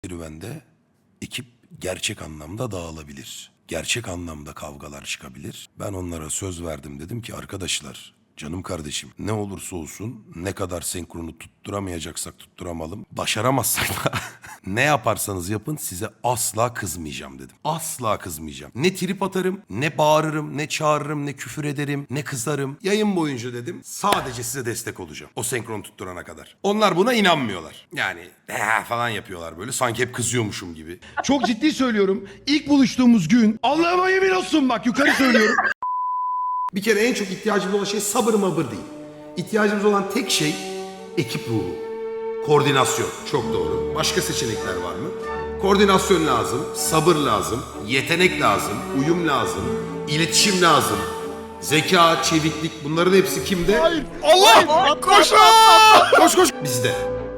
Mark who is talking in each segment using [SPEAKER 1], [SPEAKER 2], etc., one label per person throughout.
[SPEAKER 1] serüvende ekip gerçek anlamda dağılabilir. Gerçek anlamda kavgalar çıkabilir. Ben onlara söz verdim, dedim ki arkadaşlar, canım kardeşim, ne olursa olsun, ne kadar senkronu tutturamayacaksak tutturamalım. Başaramazsak da ne yaparsanız yapın, size asla kızmayacağım dedim. Asla kızmayacağım. Ne trip atarım, ne bağırırım, ne çağırırım, ne küfür ederim, ne kızarım. Yayın boyunca dedim, sadece size destek olacağım. O senkron tutturana kadar. Onlar buna inanmıyorlar. Yani falan yapıyorlar böyle, sanki hep kızıyormuşum gibi.
[SPEAKER 2] Çok ciddi söylüyorum. İlk buluştuğumuz gün Allah'ıma yemin olsun, bak yukarı söylüyorum.
[SPEAKER 1] Bir kere en çok ihtiyacımız olan şey sabır mabır değil. İhtiyacımız olan tek şey ekip ruhu. Koordinasyon. Çok doğru. Başka seçenekler var mı? Koordinasyon lazım, sabır lazım, yetenek lazım, uyum lazım, iletişim lazım, zeka, çeviklik, bunların hepsi kimde?
[SPEAKER 2] Hayır. Allah! Koşun!
[SPEAKER 1] Koş koş! Bizde.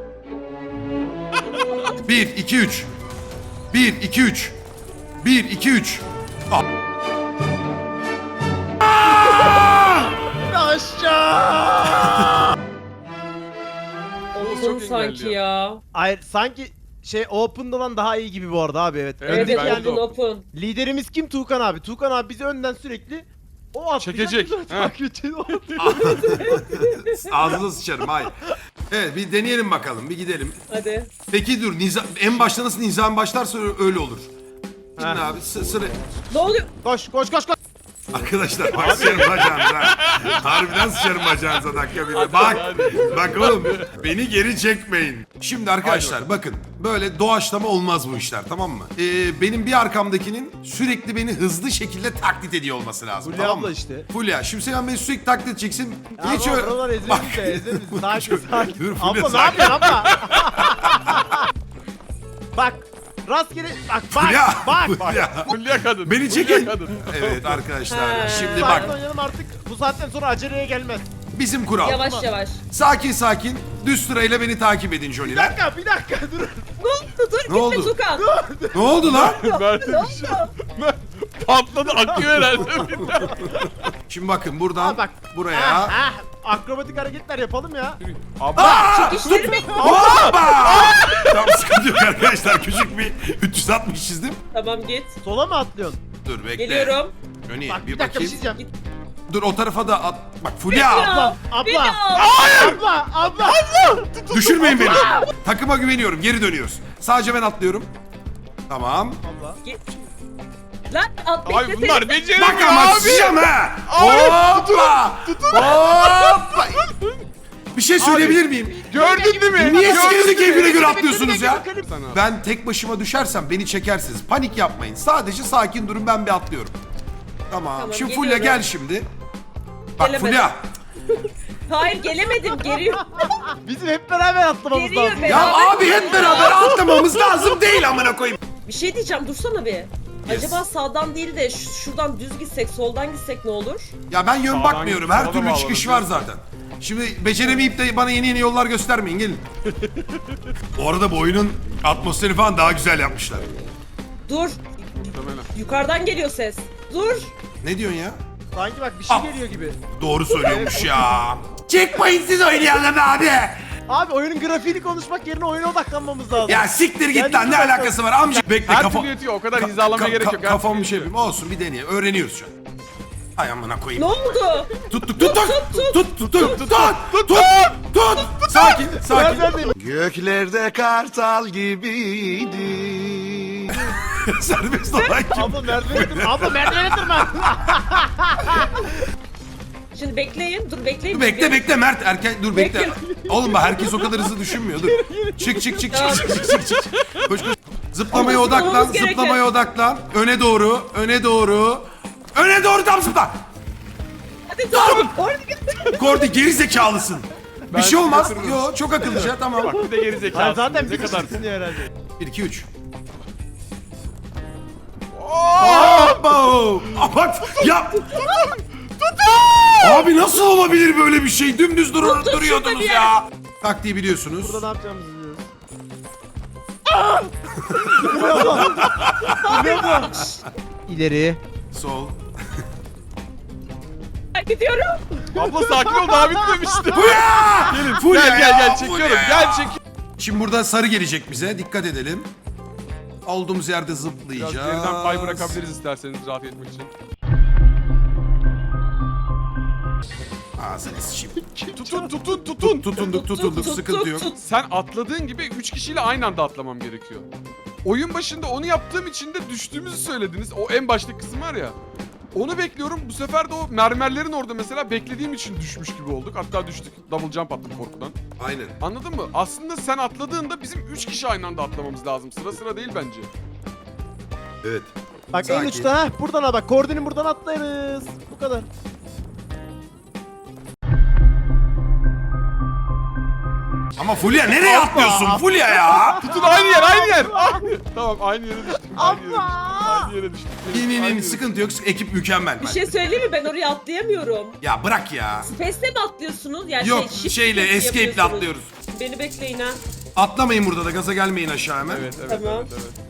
[SPEAKER 1] 1, 2, 3. 1, 2, 3. 1, 2, 3.
[SPEAKER 2] Aşağı!
[SPEAKER 3] Oğlum sanki ya.
[SPEAKER 4] Hayır, sanki şey Open'dan daha iyi gibi bu arada abi, evet.
[SPEAKER 3] Evet,
[SPEAKER 4] Öndeki
[SPEAKER 3] ben
[SPEAKER 4] yani
[SPEAKER 3] open.
[SPEAKER 4] liderimiz kim? Tuğkan abi. Tuğkan abi bizi önden sürekli o atlayacak,
[SPEAKER 2] Çekecek.
[SPEAKER 4] biz onu takip edeceğiz, o atlayacak.
[SPEAKER 1] Ağzına sıçarım, hayır. Evet, bir deneyelim bakalım, bir gidelim.
[SPEAKER 3] Hadi.
[SPEAKER 1] Peki dur, en başta nasıl nizam başlarsa öyle olur. Gidin
[SPEAKER 4] Ha.
[SPEAKER 1] abi, sıra...
[SPEAKER 3] Ne oluyor?
[SPEAKER 4] Koş koş koş koş.
[SPEAKER 1] Arkadaşlar bak, sıçarım bacağınıza. Harbiden sıçarım bacağınıza dakika bir de. Bak oğlum, beni geri çekmeyin. Şimdi arkadaşlar bakın, böyle doğaçlama olmaz bu işler, tamam mı? Benim bir arkamdakinin sürekli beni hızlı şekilde taklit ediyor olması lazım,
[SPEAKER 4] Fulya
[SPEAKER 1] tamam mı?
[SPEAKER 4] abla işte.
[SPEAKER 1] Fulya, şimdi sen beni sürekli taklit edeceksin.
[SPEAKER 4] Ya
[SPEAKER 1] Hiç
[SPEAKER 4] baba,
[SPEAKER 1] öyle...
[SPEAKER 4] buralar ezeriz de ezeriz. Sakin sakin.
[SPEAKER 1] Dur Fulya,
[SPEAKER 4] Abla ne
[SPEAKER 1] sakin.
[SPEAKER 4] yapıyorsun abla? Bak. Rastgele bak
[SPEAKER 1] Fulya,
[SPEAKER 4] bak.
[SPEAKER 1] Fulya.
[SPEAKER 2] Fulya kadın.
[SPEAKER 1] Beni
[SPEAKER 2] Fulya
[SPEAKER 1] çekin.
[SPEAKER 2] kadın.
[SPEAKER 1] Evet arkadaşlar,
[SPEAKER 3] Ha.
[SPEAKER 1] şimdi
[SPEAKER 4] Sakin
[SPEAKER 1] bak,
[SPEAKER 4] oynayalım artık. Bu saatten sonra aceleye gelmez.
[SPEAKER 1] bizim kural.
[SPEAKER 3] Yavaş yavaş.
[SPEAKER 1] Sakin sakin, düz sırayla beni takip edin
[SPEAKER 4] Bir
[SPEAKER 1] Joliler.
[SPEAKER 4] dakika dur.
[SPEAKER 3] Ne oldu? Dur
[SPEAKER 1] Ne oldu?
[SPEAKER 3] gitme Tukan.
[SPEAKER 1] Ne oldu lan?
[SPEAKER 2] Mert'e bir şey. Mert patladı, akıyor herhalde.
[SPEAKER 1] Şimdi bakın buradan
[SPEAKER 4] Bak.
[SPEAKER 1] buraya.
[SPEAKER 4] Akrobatik hareketler yapalım ya.
[SPEAKER 2] Abla.
[SPEAKER 3] İşlerimi...
[SPEAKER 1] Hoppa! Tamam, sıkıntı yok arkadaşlar. Küçük bir 360 çizdim.
[SPEAKER 3] Tamam git.
[SPEAKER 4] Sola mı atlıyorsun?
[SPEAKER 1] Dur bekle.
[SPEAKER 3] Geliyorum.
[SPEAKER 1] Öne
[SPEAKER 4] Bak
[SPEAKER 1] bir
[SPEAKER 4] bir dakika bir
[SPEAKER 1] bakayım.
[SPEAKER 4] şey diyeceğim.
[SPEAKER 1] Dur o tarafa da at. Bak Fulya.
[SPEAKER 4] Abla. Abla.
[SPEAKER 1] Düşürmeyin beni. Takıma güveniyorum. Geri dönüyoruz. Sadece ben atlıyorum. Tamam.
[SPEAKER 3] Git. Lan at
[SPEAKER 2] Ay
[SPEAKER 3] bekle
[SPEAKER 2] bunlar
[SPEAKER 3] seni.
[SPEAKER 2] beceremiyor
[SPEAKER 1] Bak ama
[SPEAKER 2] abi.
[SPEAKER 1] sıçacağım ha. Hoppa. Hoppa. Bir şey söyleyebilir miyim?
[SPEAKER 2] Gördün değil mi?
[SPEAKER 1] Niye
[SPEAKER 2] Gördün
[SPEAKER 1] sikinizi
[SPEAKER 2] değil mi?
[SPEAKER 1] keyfine göre atlıyorsunuz ya?
[SPEAKER 2] Sana.
[SPEAKER 1] Ben tek başıma düşersem beni çekersiniz. Panik yapmayın. Sadece sakin durun, ben bir atlıyorum. Tamam.
[SPEAKER 3] Tamam,
[SPEAKER 1] Şimdi Fulya
[SPEAKER 3] geliyorum.
[SPEAKER 1] gel şimdi. Bak
[SPEAKER 3] Gelemedim.
[SPEAKER 1] Fulya.
[SPEAKER 3] Hayır gelemedim. Geliyor.
[SPEAKER 4] Bizim hep beraber atlamamız
[SPEAKER 3] Geliyor
[SPEAKER 4] lazım.
[SPEAKER 3] be.
[SPEAKER 1] Ya
[SPEAKER 3] Beraber
[SPEAKER 1] abi hep beraber atlamamız lazım değil amına koyayım.
[SPEAKER 3] Bir şey diyeceğim. Dursana bir.
[SPEAKER 1] Yes.
[SPEAKER 3] Acaba sağdan değil de şuradan düz gitsek, soldan gitsek ne olur?
[SPEAKER 1] Ya ben yön
[SPEAKER 2] Sağdan
[SPEAKER 1] bakmıyorum.
[SPEAKER 2] git,
[SPEAKER 1] Her
[SPEAKER 2] sola
[SPEAKER 1] türlü
[SPEAKER 2] bağlanın
[SPEAKER 1] çıkış var
[SPEAKER 2] diyorsun.
[SPEAKER 1] zaten. Şimdi beceremeyip de bana yeni yollar göstermeyin, gelin. Bu arada bu oyunun atmosferi falan daha güzel yapmışlar.
[SPEAKER 3] Dur.
[SPEAKER 2] Muhtemelen.
[SPEAKER 3] Yukarıdan geliyor ses. Dur.
[SPEAKER 1] Ne diyorsun ya?
[SPEAKER 4] Sanki bak bir şey
[SPEAKER 1] Ah.
[SPEAKER 4] geliyor gibi.
[SPEAKER 1] Doğru söylüyormuş ya. Çekmeyin siz oynayalım abi.
[SPEAKER 4] Abi oyunun grafiğini konuşmak yerine oyuna odaklanmamız lazım.
[SPEAKER 1] Ya siktir git
[SPEAKER 4] Yani
[SPEAKER 1] lan, ne
[SPEAKER 4] bir dakika.
[SPEAKER 1] alakası var amca? Bekle
[SPEAKER 2] Her
[SPEAKER 1] kafa...
[SPEAKER 2] türlü yetiyor, o kadar hizalamaya gerek yok. Her
[SPEAKER 1] Kafamı
[SPEAKER 2] türlü
[SPEAKER 1] bir şey
[SPEAKER 2] yetiyor.
[SPEAKER 1] yapayım. Olsun, bir deneye. Öğreniyoruz şu an. Ay amına
[SPEAKER 3] Ne
[SPEAKER 1] koyayım.
[SPEAKER 3] oldu?
[SPEAKER 1] Tut. Sakin.
[SPEAKER 5] Göklerde kartal gibiydi.
[SPEAKER 1] Serbest olan kim?
[SPEAKER 4] Abla merdivene tırma. Abla merdivene tırma.
[SPEAKER 3] Şimdi bekleyin. Dur bekleyin.
[SPEAKER 1] Bekle Mert, erken dur bekle.
[SPEAKER 3] Bekle.
[SPEAKER 1] Oğlum bak, herkes o kadar hızlı düşünmüyor. Dur. Çık. Koş. Zıplamaya
[SPEAKER 3] Ama
[SPEAKER 1] odaklan,
[SPEAKER 3] zıplamamız gereken.
[SPEAKER 1] zıplamaya odaklan. Öne doğru. Öne doğru tam zıpla.
[SPEAKER 3] Hadi dur. Orada git.
[SPEAKER 1] Kordi geri zekalısın. Bir
[SPEAKER 2] Ben
[SPEAKER 1] şey olmaz.
[SPEAKER 2] yatırırım.
[SPEAKER 1] Yo, çok akıllıca, tamam.
[SPEAKER 2] Bak bir de geri zekalı.
[SPEAKER 4] Hayır, zaten
[SPEAKER 2] ne
[SPEAKER 4] bir
[SPEAKER 2] kadar.
[SPEAKER 4] kişisin ya herhalde.
[SPEAKER 1] 1 2 3. Abo! Bak ya. Abi nasıl olabilir böyle bir şey? Dümdüz duruyordunuz
[SPEAKER 3] şurada
[SPEAKER 1] ya. Taktiği biliyorsunuz.
[SPEAKER 4] Burada ne yapacağımızı biliyoruz. İleri.
[SPEAKER 1] Sol.
[SPEAKER 3] Gidiyorum.
[SPEAKER 2] Abla sakin ol, daha bitmemişti.
[SPEAKER 1] Fulya!
[SPEAKER 2] Gelin
[SPEAKER 1] Fulya
[SPEAKER 2] gel
[SPEAKER 1] ya,
[SPEAKER 2] çekiyorum.
[SPEAKER 1] Fulya.
[SPEAKER 2] Gel çekiyorum.
[SPEAKER 1] Şimdi burada sarı gelecek bize. Dikkat edelim. Olduğumuz yerde
[SPEAKER 6] Biraz
[SPEAKER 1] zıplayacağız.
[SPEAKER 6] geriden pay bırakabiliriz isterseniz rahat etmek için.
[SPEAKER 1] Ağzını sıçayım.
[SPEAKER 6] Tutun.
[SPEAKER 1] Tutunduk sıkıntı yok.
[SPEAKER 6] Sen atladığın gibi 3 kişiyle aynı anda atlamam gerekiyor. Oyun başında onu yaptığım için de düştüğümüzü söylediniz. O en baştaki kısım var ya. Onu bekliyorum. Bu sefer de o mermerlerin orada mesela beklediğim için düşmüş gibi olduk. Hatta düştük. Double jump attım korkudan.
[SPEAKER 1] Aynen.
[SPEAKER 6] Anladın mı? Aslında sen atladığında bizim 3 kişi aynı anda atlamamız lazım. Sıra sıra değil bence.
[SPEAKER 1] Evet.
[SPEAKER 4] Bak en
[SPEAKER 1] Sakin.
[SPEAKER 4] uçta ha. Buradan ha bak. Koordinin buradan atlarız. Bu kadar.
[SPEAKER 1] Ama Fulya nereye atlıyorsun Fulya ya?
[SPEAKER 6] Tutun aynı yer. Tamam aynı yere düştük. Aynı yere düştük.
[SPEAKER 1] İn sıkıntı yok. Ekip mükemmel.
[SPEAKER 3] Bir şey söyleyeyim mi? Ben oraya atlayamıyorum.
[SPEAKER 1] Ya bırak ya.
[SPEAKER 3] Space'le mi atlıyorsunuz? Yani
[SPEAKER 1] Yok
[SPEAKER 3] shift
[SPEAKER 1] şeyle
[SPEAKER 3] space
[SPEAKER 1] escape'le
[SPEAKER 3] yapıyorsunuz.
[SPEAKER 1] atlıyoruz.
[SPEAKER 3] Beni bekleyin ha.
[SPEAKER 1] Atlamayın burada da gaza gelmeyin aşağı hemen.
[SPEAKER 6] Evet.
[SPEAKER 3] Tamam.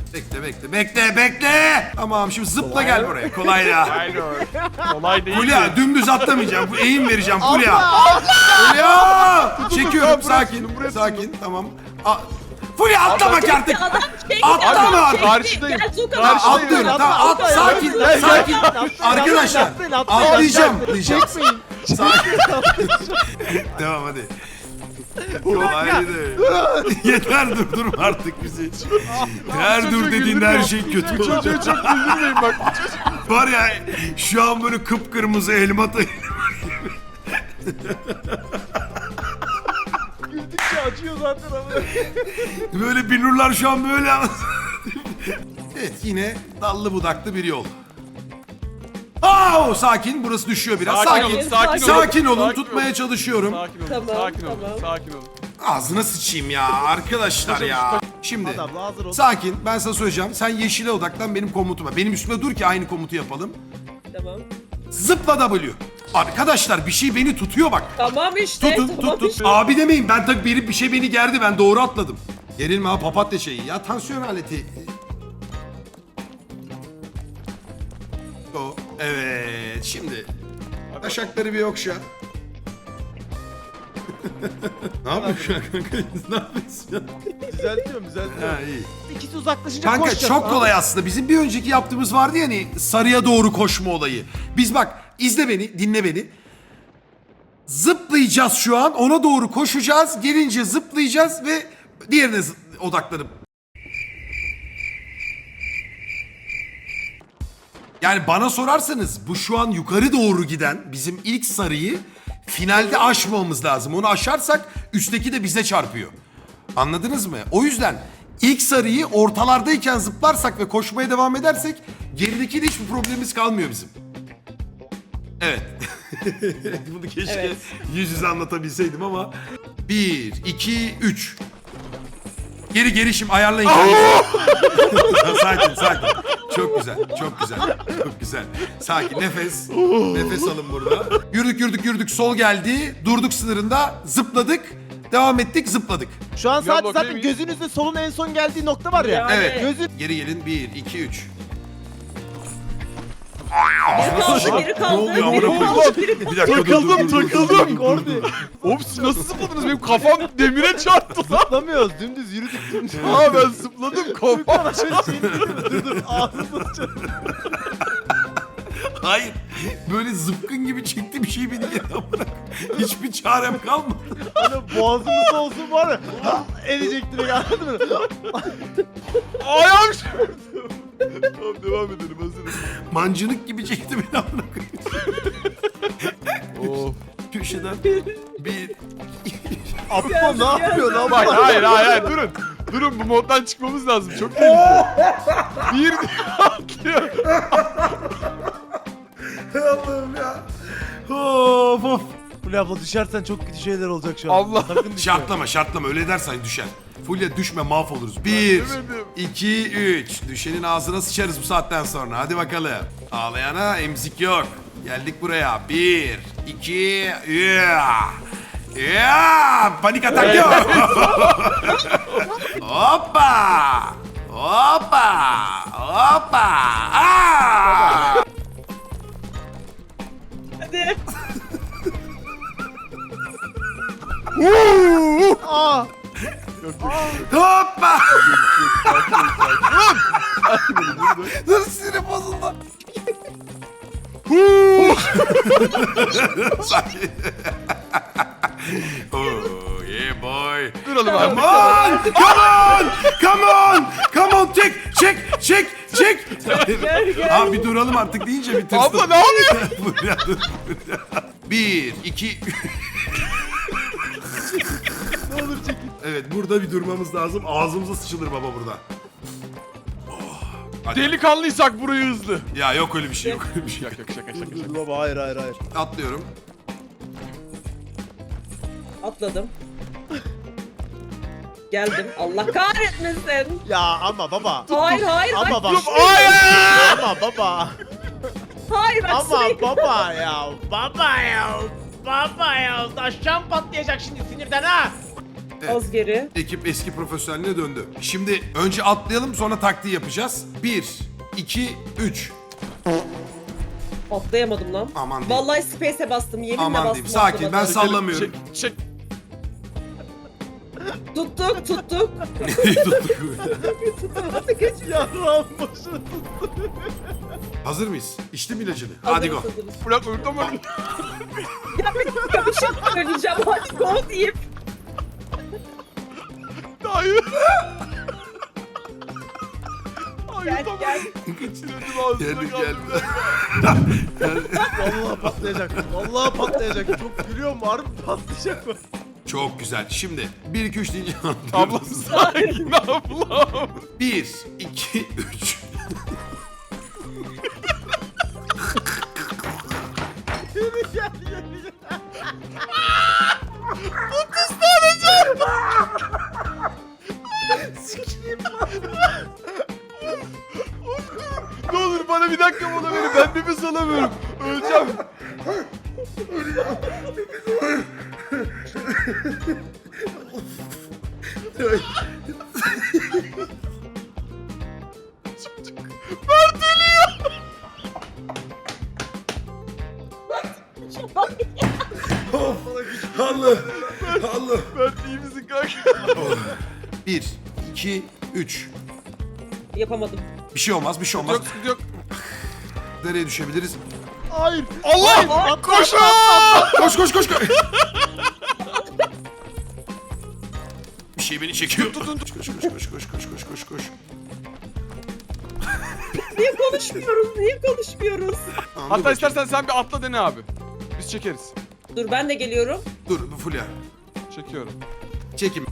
[SPEAKER 1] Bekle. Tamam şimdi zıpla gel buraya. Kolay ya.
[SPEAKER 6] Aynen. Kolay değil.
[SPEAKER 1] Fulya dümdüz atlamayacağım. Bu eğim vereceğim Fulya. Fulya. Çekiyorum
[SPEAKER 6] Tamam,
[SPEAKER 1] sakin.
[SPEAKER 6] tutun, buraya
[SPEAKER 1] Sakin tamam. Fulya atlama ki artık.
[SPEAKER 3] Adam çekti.
[SPEAKER 1] Atlama
[SPEAKER 3] adam
[SPEAKER 1] artık.
[SPEAKER 3] çekti.
[SPEAKER 6] Karşıdayım.
[SPEAKER 3] Gel Tuğkan
[SPEAKER 6] Karşıdayım.
[SPEAKER 3] abi.
[SPEAKER 1] Atlıyorum
[SPEAKER 4] Atla,
[SPEAKER 1] tamam
[SPEAKER 4] atla,
[SPEAKER 1] sakin
[SPEAKER 4] atla,
[SPEAKER 1] sakin.
[SPEAKER 4] atla,
[SPEAKER 1] Arkadaşlar
[SPEAKER 4] atlayın, atlayın,
[SPEAKER 1] atlayacağım.
[SPEAKER 4] atlayın. Çekmeyin.
[SPEAKER 1] Sakin. Tamam hadi. Kolaydı. Yeter durma artık bizi. Her dur dediğinde her şey kötü
[SPEAKER 6] Çocuğu
[SPEAKER 1] olacak.
[SPEAKER 6] çok güldürmeyin bak.
[SPEAKER 1] Var ya şu an böyle kıpkırmızı elma
[SPEAKER 4] Güldükçe acıyor zaten ama.
[SPEAKER 1] böyle binurlar şu an böyle. Evet yine dallı budaklı bir yol. Sakin burası düşüyor biraz. Sakin. Sakin olun tutmaya çalışıyorum.
[SPEAKER 3] Tamam.
[SPEAKER 6] Sakin olun.
[SPEAKER 1] Ağzına sıçayım ya arkadaşlar ya. Şimdi
[SPEAKER 4] Hadi abla hazır ol.
[SPEAKER 1] sakin ben sana söyleyeceğim. Sen yeşile odaklan benim komutuma. Benim üstüme dur ki aynı komutu yapalım.
[SPEAKER 3] Tamam.
[SPEAKER 1] Zıpla W. Arkadaşlar bir şey beni tutuyor bak.
[SPEAKER 3] Tamam işte.
[SPEAKER 1] Tutun
[SPEAKER 3] tamam
[SPEAKER 1] tut.
[SPEAKER 3] işte.
[SPEAKER 1] Abi demeyin ben tabii bir şey beni gerdi ben doğru atladım. Gerilme ha papatya şeyi ya tansiyon aleti. O evet şimdi. Taşakları bir yokşa. Ne yapıyorsun şu an kanka? Ne yapıyorsun ya?
[SPEAKER 4] Düzeltiyorum.
[SPEAKER 1] Ha iyi.
[SPEAKER 4] İkisi uzaklaşınca
[SPEAKER 1] Kanka
[SPEAKER 4] koşacağız.
[SPEAKER 1] çok kolay aslında. Bizim bir önceki yaptığımız vardı ya hani sarıya doğru koşma olayı. Biz bak izle beni, dinle beni. Zıplayacağız şu an. Ona doğru koşacağız. Gelince zıplayacağız ve diğerine odaklanıp. Yani bana sorarsanız bu şu an yukarı doğru giden bizim ilk sarıyı finalde aşmamamız lazım. Onu aşarsak üstteki de bize çarpıyor. Anladınız mı? O yüzden ilk sarıyı ortalardayken zıplarsak ve koşmaya devam edersek geridekiyle hiçbir problemimiz kalmıyor bizim. Evet. Bunu keşke
[SPEAKER 3] Evet.
[SPEAKER 1] yüz yüze anlatabilseydim ama. 1, 2, 3. Geri şimdi ayarlayın. Sakin. Çok güzel. Çok güzel. Sakin nefes. Nefes alın burada. Yürüdük. Sol geldi. Durduk sınırında. Zıpladık. Devam ettik zıpladık.
[SPEAKER 4] Şu an sadece
[SPEAKER 6] bakayım
[SPEAKER 4] zaten
[SPEAKER 6] iyi.
[SPEAKER 4] gözünüzde solun en son geldiği nokta var ya.
[SPEAKER 3] Yani.
[SPEAKER 1] Evet.
[SPEAKER 4] Gözün
[SPEAKER 1] Geri gelin. 1, 2, 3.
[SPEAKER 3] Geri kaldı.
[SPEAKER 1] Ne oluyor amına
[SPEAKER 3] Geri
[SPEAKER 1] koyayım?
[SPEAKER 3] kaldı. Geri kaldı.
[SPEAKER 1] Bir dakika
[SPEAKER 6] Takıldım.
[SPEAKER 4] Kordi.
[SPEAKER 6] Oğlum siz nasıl zıpladınız? Benim kafam demire çarptı lan.
[SPEAKER 4] Zıplamıyoruz. Dümdüz yürüdük.
[SPEAKER 6] Aa ben zıpladım kafam.
[SPEAKER 4] Dur ağzını açalım.
[SPEAKER 1] Hayır. Böyle zıpkın gibi çekti bir şey beni geri amına. Hiçbir çarem kalmadı.
[SPEAKER 4] Hani boğazımızda olsun var ya. Edecek direkt anladın mı?
[SPEAKER 6] Ayağım şurada. Tamam devam edelim hazırım.
[SPEAKER 1] Mancınık gibi çekti beni amına koyayım.
[SPEAKER 6] Of.
[SPEAKER 1] Köşeden. 1,
[SPEAKER 4] Aptal ne yapıyor lan?
[SPEAKER 6] Bak hayır durun. Durun bu moddan çıkmamız lazım. Çok tehlikeli. Bir atlıyor.
[SPEAKER 1] Allah'ım ya. Of.
[SPEAKER 4] Fulya abla düşersen çok kötü şeyler olacak şu an.
[SPEAKER 6] Allah.
[SPEAKER 4] Sakın düşme.
[SPEAKER 1] Şartlama öyle dersen düşer. Fulya düşme mahvoluruz. 1,
[SPEAKER 6] demedim.
[SPEAKER 1] 2, 3. Düşenin ağzına sıçarız bu saatten sonra. Hadi bakalım. Ağlayana emzik yok. Geldik buraya. 1, 2, panik atak yok. Hoppa. Aa!
[SPEAKER 3] Hadi.
[SPEAKER 4] Aa!
[SPEAKER 1] Hoppa. Dur sinirim bozuldu. Oh yeah boy.
[SPEAKER 6] Duralım abi.
[SPEAKER 1] Come on! Come on! Come on! Come on! Çek!
[SPEAKER 3] Gel.
[SPEAKER 1] Abi bir duralım artık deyince bir tırstım.
[SPEAKER 6] Abla ne yapıyorsun?
[SPEAKER 1] Buraya dur. Bir, iki...
[SPEAKER 4] Ne olur çekin.
[SPEAKER 5] Evet burada bir durmamız lazım. Ağzımıza sıçılır baba burada.
[SPEAKER 6] Delikanlıysak burayı hızlı.
[SPEAKER 1] Ya yok öyle bir şey, yok öyle bir şey.
[SPEAKER 6] Yok şaka.
[SPEAKER 4] Dur baba hayır.
[SPEAKER 1] Atlıyorum.
[SPEAKER 3] Atladım. Geldim. Allah kahretmesin.
[SPEAKER 4] Ya ama baba.
[SPEAKER 3] Hayır.
[SPEAKER 4] Ama bak.
[SPEAKER 6] Hayır!
[SPEAKER 4] Ama baba.
[SPEAKER 3] Hayır bak
[SPEAKER 4] Ama
[SPEAKER 3] sürekli.
[SPEAKER 4] baba ya. Baba ya. Taşcan patlayacak şimdi sinirden ha.
[SPEAKER 3] Az geri.
[SPEAKER 1] Ekip eski profesyoneline döndü. Şimdi önce atlayalım sonra taktiği yapacağız. 1, 2, 3.
[SPEAKER 3] Atlayamadım lan.
[SPEAKER 1] Aman diyeyim.
[SPEAKER 3] Vallahi space'e bastım. Yeminle
[SPEAKER 1] Aman
[SPEAKER 3] bastım.
[SPEAKER 1] diyeyim. Sakin, ben
[SPEAKER 3] atlamadım.
[SPEAKER 1] sallamıyorum.
[SPEAKER 6] Çek.
[SPEAKER 3] Tuttuk.
[SPEAKER 1] Tuttuk.
[SPEAKER 3] Nasıl geçiyor?
[SPEAKER 4] Yarrağım başını.
[SPEAKER 1] Hazır mıyız? İçtim ilacını. Hadi go.
[SPEAKER 6] Bırak öldüm.
[SPEAKER 3] Ya bir şey söyleyeceğim. Hadi go deyip.
[SPEAKER 6] Hayır.
[SPEAKER 3] Gel.
[SPEAKER 6] Kaçırdım ağzına
[SPEAKER 1] Geldi.
[SPEAKER 4] Vallahi patlayacak. Çok gülüyorum harbi patlayacak mı?
[SPEAKER 1] Çok güzel. Şimdi 1, 2, 3 deyince
[SPEAKER 6] Ablam
[SPEAKER 1] atlıyoruz.
[SPEAKER 6] sakin ablam.
[SPEAKER 1] 1, 2, 3.
[SPEAKER 6] Ne olur bana bir dakika mola verin. Ben nefes alamıyorum. Öleceğim.
[SPEAKER 1] Allah.
[SPEAKER 6] Ben iyi misin kanka?
[SPEAKER 1] 1, 2, 3.
[SPEAKER 3] Yapamadım.
[SPEAKER 1] Bir şey olmaz.
[SPEAKER 6] Yok sıkıntı yok.
[SPEAKER 1] Nereye düşebiliriz?
[SPEAKER 4] Hayır.
[SPEAKER 6] Allah! Koşun!
[SPEAKER 1] Koş. Bir şey beni çekiyor. Koş.
[SPEAKER 3] Niye konuşmuyoruz?
[SPEAKER 1] Tamam, dur
[SPEAKER 6] Hatta
[SPEAKER 1] bakayım.
[SPEAKER 6] istersen sen bir atla dene abi. Biz çekeriz.
[SPEAKER 3] Dur ben de geliyorum.
[SPEAKER 1] Dur bu Fulya.
[SPEAKER 6] Çekiyorum.
[SPEAKER 1] Çekim.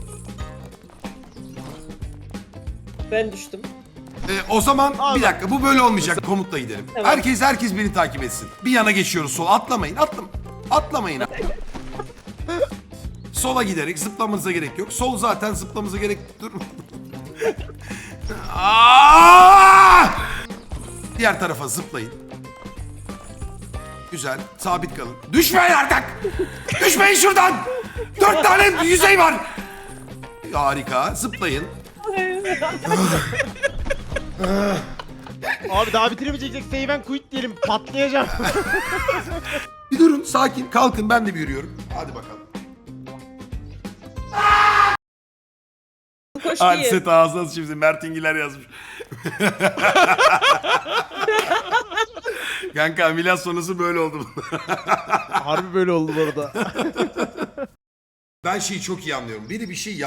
[SPEAKER 3] Ben düştüm.
[SPEAKER 1] O zaman bir dakika bu böyle olmayacak. Komutla gidelim.
[SPEAKER 3] Tamam.
[SPEAKER 1] Herkes beni takip etsin. Bir yana geçiyoruz sola. Atlamayın. Atlamayın. Sola giderek zıplamanıza gerek yok. Sol zaten zıplamanıza gerek dur. Aa! Diğer tarafa zıplayın. Güzel. Sabit kalın. Düşmeyin artık. Düşmeyin şuradan. 4 tane yüzey var. Harika. Zıplayın.
[SPEAKER 4] Abi daha bitiremeyecek save and quit diyelim patlayacağım.
[SPEAKER 1] Bir durun. Sakin. Kalkın. Ben de bir yürüyorum. Hadi bakalım.
[SPEAKER 3] Koş
[SPEAKER 1] Hadi
[SPEAKER 3] diye.
[SPEAKER 1] set ağzına şimdi Mert İngiler yazmış. Kanka ameliyat sonrası böyle oldu.
[SPEAKER 4] Harbi böyle oldu bu arada.
[SPEAKER 1] Ben şeyi çok iyi anlıyorum. Biri bir şey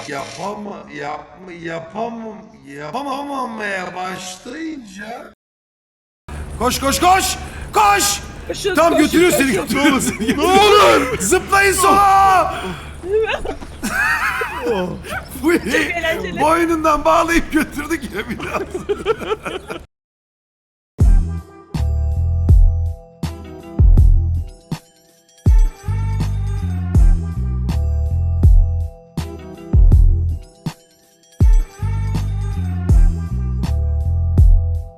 [SPEAKER 1] yapamamaya başlayınca... Koş!
[SPEAKER 3] Koşun,
[SPEAKER 1] Tam
[SPEAKER 3] koş,
[SPEAKER 1] götürüyor
[SPEAKER 3] koş.
[SPEAKER 1] seni. Ne olur! Zıplayın sola!
[SPEAKER 3] eğlenceli.
[SPEAKER 1] Boynundan bağlayıp götürdük ya biraz.